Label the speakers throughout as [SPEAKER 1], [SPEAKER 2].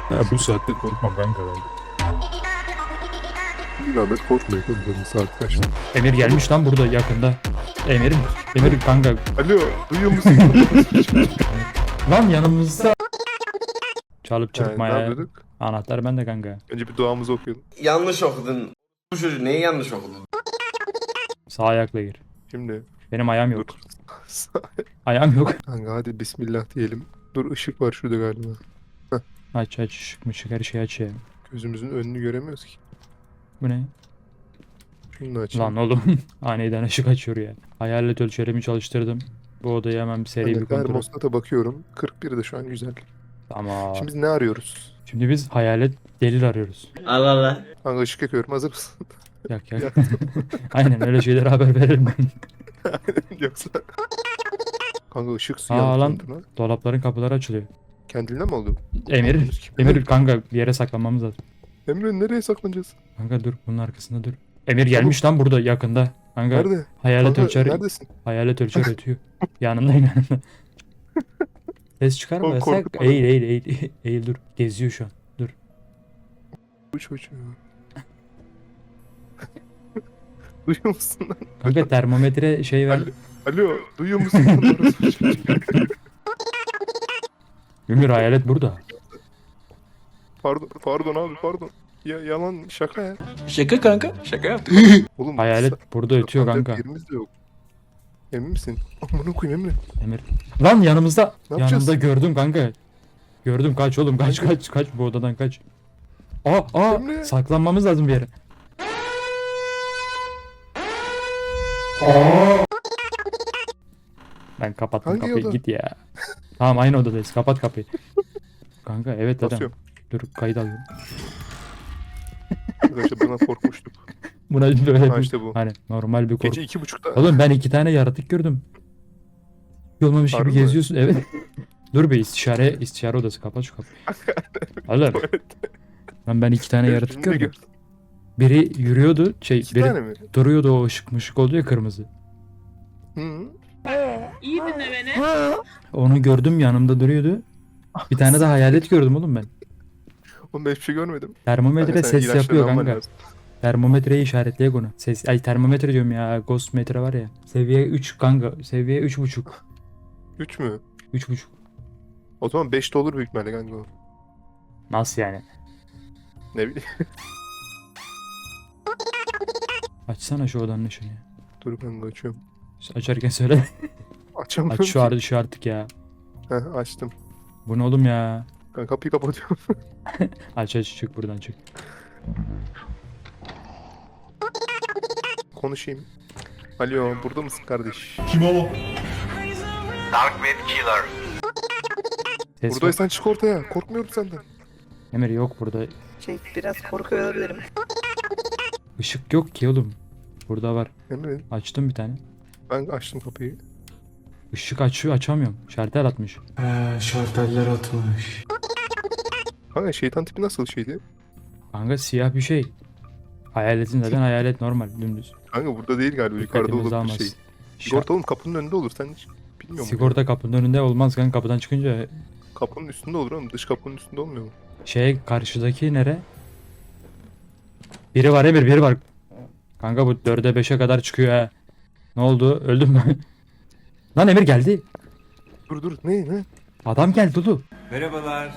[SPEAKER 1] Ya bu saatte korkmam kanka ben. Bir zahmet korkmayın oğlum, saat kaç?
[SPEAKER 2] Emir gelmiş lan burada yakında. Emir kanka.
[SPEAKER 1] Alo, duyuyor musun?
[SPEAKER 2] Lan yanımızda. Çalıp
[SPEAKER 1] Ne
[SPEAKER 2] çırpmaya.
[SPEAKER 1] yapıyorduk?
[SPEAKER 2] Anahtar bende kanka.
[SPEAKER 1] Önce bir duamızı okuyalım.
[SPEAKER 3] Yanlış okudun. Bu çocuğu neyi yanlış okudun?
[SPEAKER 2] Sağ ayakla gir.
[SPEAKER 1] Şimdi
[SPEAKER 2] Benim ayağım
[SPEAKER 1] dur.
[SPEAKER 2] yok. Ayağım yok.
[SPEAKER 1] Kanka hadi bismillah diyelim. Dur, ışık var şurada galiba.
[SPEAKER 2] Aç ışık mışık her şeyi aç ya.
[SPEAKER 1] Gözümüzün önünü göremiyoruz ki.
[SPEAKER 2] Bu ne?
[SPEAKER 1] Şunu da açayım.
[SPEAKER 2] Lan oğlum. Aniden ışık açıyor ya. Hayalet ölçerimi çalıştırdım. Bu odayı hemen bir seri
[SPEAKER 1] Ben
[SPEAKER 2] bir
[SPEAKER 1] de
[SPEAKER 2] kontrol.
[SPEAKER 1] termostata bakıyorum. 41 de şu an güzel.
[SPEAKER 2] Tamam.
[SPEAKER 1] Şimdi biz ne arıyoruz?
[SPEAKER 2] Şimdi biz hayalet delil arıyoruz.
[SPEAKER 3] Allah Allah.
[SPEAKER 1] Kanka ışık yakıyorum, hazır mısın?
[SPEAKER 2] Yak. Aynen öyle şeylere haber veririm ben.
[SPEAKER 1] Yoksa... Kanka ışık su
[SPEAKER 2] Aa
[SPEAKER 1] yandı
[SPEAKER 2] lan.
[SPEAKER 1] lan.
[SPEAKER 2] Dolapların kapıları açılıyor.
[SPEAKER 1] Kendiliğinden mi oldu?
[SPEAKER 2] Emir kanka bir yere saklanmamız lazım.
[SPEAKER 1] Emre nereye saklanacağız?
[SPEAKER 2] Kanka dur bunun arkasında dur. Emir gelmiş lan burada yakında. Kanka
[SPEAKER 1] Nerede?
[SPEAKER 2] hayalet
[SPEAKER 1] Kanka
[SPEAKER 2] ölçer.
[SPEAKER 1] neredesin?
[SPEAKER 2] Hayalet ölçer ötüyor. Yanındayım. Ses çıkarma
[SPEAKER 1] Oğlum,
[SPEAKER 2] yasak.
[SPEAKER 1] korkutma.
[SPEAKER 2] Eğil dur. Geziyor şu an. Dur.
[SPEAKER 1] Bu çocuğu. Duyuyor musun lan?
[SPEAKER 2] Kanka termometre şey ver.
[SPEAKER 1] Alo, duyuyor musun lan? Orası çocuğu.
[SPEAKER 2] Emir hayalet burada.
[SPEAKER 1] Pardon abi, pardon. Ya yalan, şaka ya.
[SPEAKER 4] Şaka kanka. Şaka yaptık.
[SPEAKER 1] Oğlum
[SPEAKER 2] Hayalet burada ötüyor
[SPEAKER 1] saklanacak
[SPEAKER 2] kanka.
[SPEAKER 1] yerimiz de yok. Emin misin? Amına koyayım Emre.
[SPEAKER 2] Emir. Lan yanımızda.
[SPEAKER 1] Ne yapacağız?
[SPEAKER 2] Yanımda gördüm kanka. Gördüm kaç oğlum kaç bu odadan kaç. Aa
[SPEAKER 1] Emre.
[SPEAKER 2] saklanmamız lazım bir yere. Ben kapattım
[SPEAKER 1] Hangi
[SPEAKER 2] kapıyı
[SPEAKER 1] oda?
[SPEAKER 2] git ya. Tamam aynı odadayız kapat kapıyı. Kanka evet dedem.
[SPEAKER 1] Basıyorum.
[SPEAKER 2] Dur kayıt alıyorum.
[SPEAKER 1] Arkadaşlar buna korkmuştuk.
[SPEAKER 2] Buna böyle
[SPEAKER 1] Ha
[SPEAKER 2] bir,
[SPEAKER 1] işte bu.
[SPEAKER 2] hani normal bir korku.
[SPEAKER 1] Gece 2.30'da.
[SPEAKER 2] Oğlum ben 2 tane yaratık gördüm. Olmamış gibi
[SPEAKER 1] Harbi mi?
[SPEAKER 2] geziyorsun evet. Dur bir istişare odası kapat şu kapıyı. Oğlum lan ben 2 tane
[SPEAKER 1] Evet,
[SPEAKER 2] yaratık
[SPEAKER 1] bizim de
[SPEAKER 2] gördüm. Biri yürüyordu
[SPEAKER 1] İki
[SPEAKER 2] biri
[SPEAKER 1] tane mi?
[SPEAKER 2] duruyordu o ışık mışık oldu ya kırmızı.
[SPEAKER 1] Hı.
[SPEAKER 5] İyi dinle beni.
[SPEAKER 2] Onu gördüm yanımda duruyordu. Bir tane de hayalet gördüm oğlum ben.
[SPEAKER 1] Oğlum ben hiçbir şey görmedim.
[SPEAKER 2] Termometre
[SPEAKER 1] Kanka, sen
[SPEAKER 2] ses
[SPEAKER 1] ilaçlarını
[SPEAKER 2] yapıyor
[SPEAKER 1] alman
[SPEAKER 2] kanka.
[SPEAKER 1] lazım.
[SPEAKER 2] Termometreyi işaretleye konu. Termometre diyorum ya. Ghost metre var ya. Seviye 3 kanka. Seviye 3.5.
[SPEAKER 1] 3 mü?
[SPEAKER 2] 3.5.
[SPEAKER 1] O zaman 5 de olur büyük ihtimalle kanka o.
[SPEAKER 2] Nasıl yani?
[SPEAKER 1] Ne bileyim.
[SPEAKER 2] Açsana şu odanın ışığını ya.
[SPEAKER 1] Dur kanka açıyorum.
[SPEAKER 2] Açarken söyle.
[SPEAKER 1] Açamıyorum.
[SPEAKER 2] Aç şu artık ya.
[SPEAKER 1] Heh, açtım.
[SPEAKER 2] Bu ne oğlum ya?
[SPEAKER 1] Kanka kapıyı kapatıyorum.
[SPEAKER 2] Aç çık buradan çık.
[SPEAKER 1] Konuşayım. Alo, burada mısın kardeş?
[SPEAKER 3] Dark Web Killer.
[SPEAKER 2] Ses var.
[SPEAKER 1] Buradaysan çık ortaya. Korkmuyorum senden.
[SPEAKER 2] Emir yok burada.
[SPEAKER 5] Biraz korkuyor olabilirim.
[SPEAKER 2] Işık yok ki oğlum. Burada var.
[SPEAKER 1] Emre,
[SPEAKER 2] Açtım bir tane.
[SPEAKER 1] ben açtım kapıyı.
[SPEAKER 2] Işık açıyor açamıyorum. Şartel atmış.
[SPEAKER 4] Şarteller atmış.
[SPEAKER 1] Kanka şeytan tipi nasıl şeydi?
[SPEAKER 2] Kanka siyah bir şey. Hayaletin zaten hayalet normal dümdüz.
[SPEAKER 1] Kanka burada değil galiba, yukarıda
[SPEAKER 2] Dikkatimizi
[SPEAKER 1] olur bir
[SPEAKER 2] almaz.
[SPEAKER 1] şey. Sigorta oğlum kapının önünde olur, sen hiç bilmiyor musun?
[SPEAKER 2] Sigorta kapının önünde olmaz kanka kapıdan çıkınca
[SPEAKER 1] Kapının üstünde olur oğlum, dış kapının üstünde olmuyor mu?
[SPEAKER 2] karşıdaki nere? Biri var Emir biri var. Kanka bu 4'e 5'e kadar çıkıyor ha. Ne oldu? Öldüm mü? Lan Emir geldi.
[SPEAKER 1] Dur ne?
[SPEAKER 2] Adam geldi oğlum.
[SPEAKER 4] Merhabalar.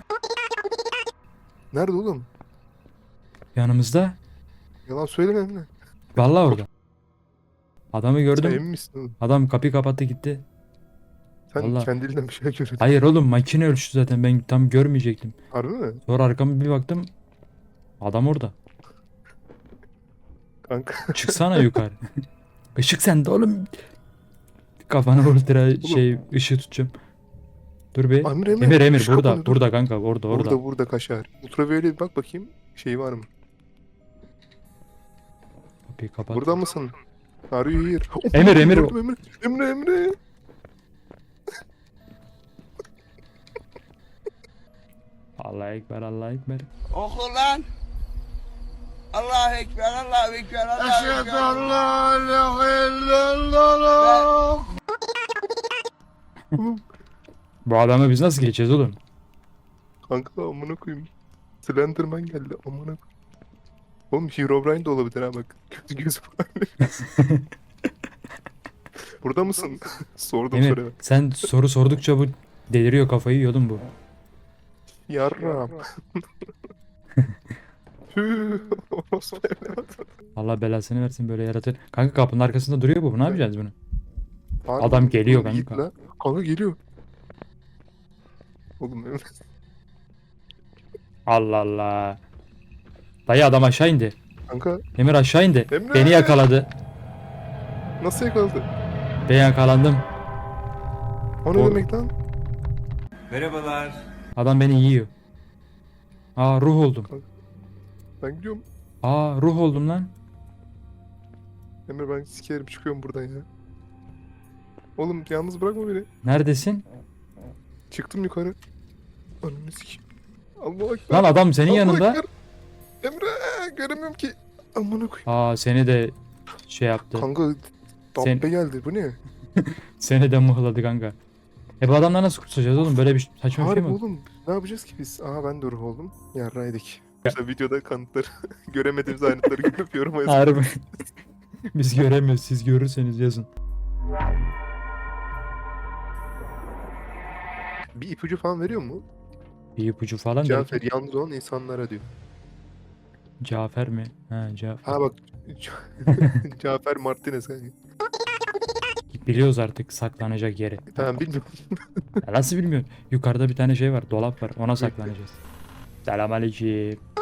[SPEAKER 1] Nerede oğlum?
[SPEAKER 2] Yanımızda.
[SPEAKER 1] Yalan söyleme Emre.
[SPEAKER 2] Vallahi orada. Adamı
[SPEAKER 1] Sen
[SPEAKER 2] gördüm.
[SPEAKER 1] emin misin oğlum?
[SPEAKER 2] Adam kapıyı kapattı gitti.
[SPEAKER 1] Sen
[SPEAKER 2] Vallahi.
[SPEAKER 1] kendiliğinden bir şey görüyorsun.
[SPEAKER 2] Hayır oğlum makine ölçtü zaten ben tam görmeyecektim.
[SPEAKER 1] Harbi mi?
[SPEAKER 2] Sonra arkama bir baktım. Adam orada.
[SPEAKER 1] Kanka.
[SPEAKER 2] Çıksana yukarı. Işık sende oğlum. Kafana ultra ışığı tutacağım. Dur bir. Emir
[SPEAKER 1] Şu
[SPEAKER 2] burada.
[SPEAKER 1] kapanıyor, dur.
[SPEAKER 2] Burada kanka orada.
[SPEAKER 1] Burada kaşar. Ultraviyole bir bak bakayım. Şey var mı?
[SPEAKER 2] Kapıyı kapat.
[SPEAKER 1] Burada mısın? Are you here?
[SPEAKER 2] Emir.
[SPEAKER 1] Gördüm, Emre.
[SPEAKER 2] Allahu Ekber Allahu Ekber.
[SPEAKER 5] Oku lan. Allahu Ekber, Allahu Ekber, Allahu Ekber.
[SPEAKER 2] Bu adamı biz nasıl geçeceğiz oğlum?
[SPEAKER 1] Kanka amına koyayım. Slenderman geldi amına koyayım. Oğlum Herobrine de olabilir ha bak. Kötü göz var. Burada mısın? Sordum
[SPEAKER 2] Emir
[SPEAKER 1] soruya.
[SPEAKER 2] sen soru sordukça bu deliriyor, kafayı yiyordun bu.
[SPEAKER 1] Yarram. Tüh. Orospu evladı.
[SPEAKER 2] Allah belasını versin böyle yaratır. Kanka kapının arkasında duruyor bu. Ne yapacağız bunu?
[SPEAKER 1] Harbi
[SPEAKER 2] Adam
[SPEAKER 1] mi?
[SPEAKER 2] geliyor
[SPEAKER 1] Oğlum git
[SPEAKER 2] kanka.
[SPEAKER 1] la. Kanka geliyor. Oğlum Emre.
[SPEAKER 2] Allah Allah. Dayı adam aşağı indi.
[SPEAKER 1] Kanka
[SPEAKER 2] Emir aşağı indi.
[SPEAKER 1] Emre!
[SPEAKER 2] Beni yakaladı.
[SPEAKER 1] nasıl yakaladı?
[SPEAKER 2] Ben yakalandım.
[SPEAKER 1] O ne
[SPEAKER 2] O-
[SPEAKER 1] demek lan?
[SPEAKER 4] Merhabalar.
[SPEAKER 2] Adam beni yiyor. Aa ruh oldum.
[SPEAKER 1] Ben gidiyorum.
[SPEAKER 2] Aa ruh oldum lan.
[SPEAKER 1] Emre ben sikerim çıkıyorum buradan ya. Oğlum yalnız bırakma beni.
[SPEAKER 2] Neredesin?
[SPEAKER 1] Çıktım yukarı. Ananı sikeyim. Allahu Ekber.
[SPEAKER 2] Lan adam senin
[SPEAKER 1] Allahu
[SPEAKER 2] yanında.
[SPEAKER 1] Ekber. Emre göremiyorum ki. Amına koyayım.
[SPEAKER 2] Aa seni de şey yaptı.
[SPEAKER 1] Kanka
[SPEAKER 2] Sen-
[SPEAKER 1] dabbe geldi bu ne?
[SPEAKER 2] Seni de mıhladı kanka. Bu adamdan nasıl kurtulacağız oğlum? Böyle bir saçma bir şey
[SPEAKER 1] Harbi
[SPEAKER 2] mi?
[SPEAKER 1] oğlum ne yapacağız ki biz? Aha ben de ruh oldum. Yarraydık. İşte videoda kanıtları göremediğimiz ayrıntıları görüp yoruma yazın.
[SPEAKER 2] Harbi. Biz göremiyoruz. Siz görürseniz yazın.
[SPEAKER 1] Bir ipucu falan veriyor mu?
[SPEAKER 2] Bir ipucu falan değil.
[SPEAKER 1] Cafer yalnız olan insanlara diyor.
[SPEAKER 2] Cafer mi? Ha Cafer.
[SPEAKER 1] Ha bak Cafer Martinez kanka.
[SPEAKER 2] Biliyoruz artık saklanacak yeri.
[SPEAKER 1] Tamam bilmiyorum.
[SPEAKER 2] Ya nasıl bilmiyorsun? Yukarıda bir tane şey var. Dolap var. Ona saklanacağız. Selamünaleyküm.